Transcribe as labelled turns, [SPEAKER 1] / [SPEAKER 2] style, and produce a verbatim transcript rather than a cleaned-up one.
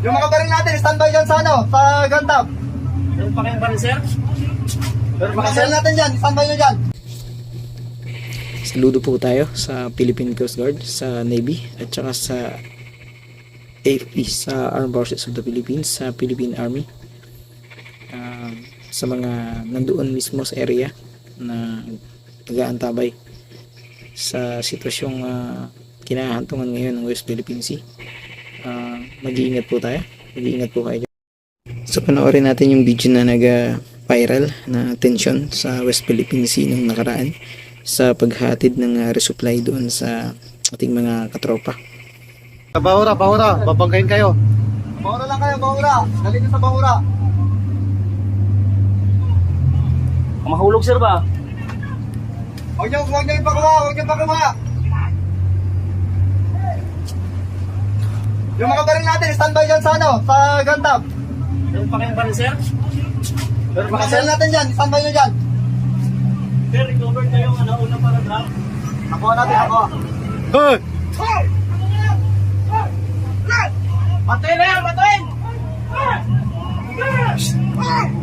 [SPEAKER 1] Yung mga baril natin, standby dyan sa ano, sa gantap.
[SPEAKER 2] Meron pa kayong baril, sir?
[SPEAKER 1] Meron pa baril natin dyan, standby nyo dyan.
[SPEAKER 3] Saludo po tayo sa Philippine Coast Guard, sa Navy, at saka sa A F P, sa Armed Forces of the Philippines, sa Philippine Army. Uh, sa mga nandoon mismo sa area na nag-aantabay sa sitwasyong uh, kinahantungan ngayon ng West Philippine Sea. Uh, mag-iingat po tayo. Mag-iingat po kayo. So panoorin natin yung video na nag-viral na tension sa West Philippine Sea nung nakaraan sa paghatid ng uh, resupply doon sa ating mga katropa.
[SPEAKER 1] Bahura, bahura, babanggain kayo. Bahura lang kayo, bahura. Dali nyo sa bahura.
[SPEAKER 2] Mahulog, sir ba?
[SPEAKER 1] Huwag nyo, huwag nyo ipakuha, huwag nyo ipakuha. Yung mga baril natin, standby dyan sa ano, sa gantap.
[SPEAKER 2] Meron pa kayong baril, sir?
[SPEAKER 1] Meron pa baril natin dyan, standby nyo dyan.
[SPEAKER 2] Sir, recover kayo ang ano, unang paragraph.
[SPEAKER 1] Nakuha natin, nakuha. Hey!
[SPEAKER 2] Patayin na yan, patayin!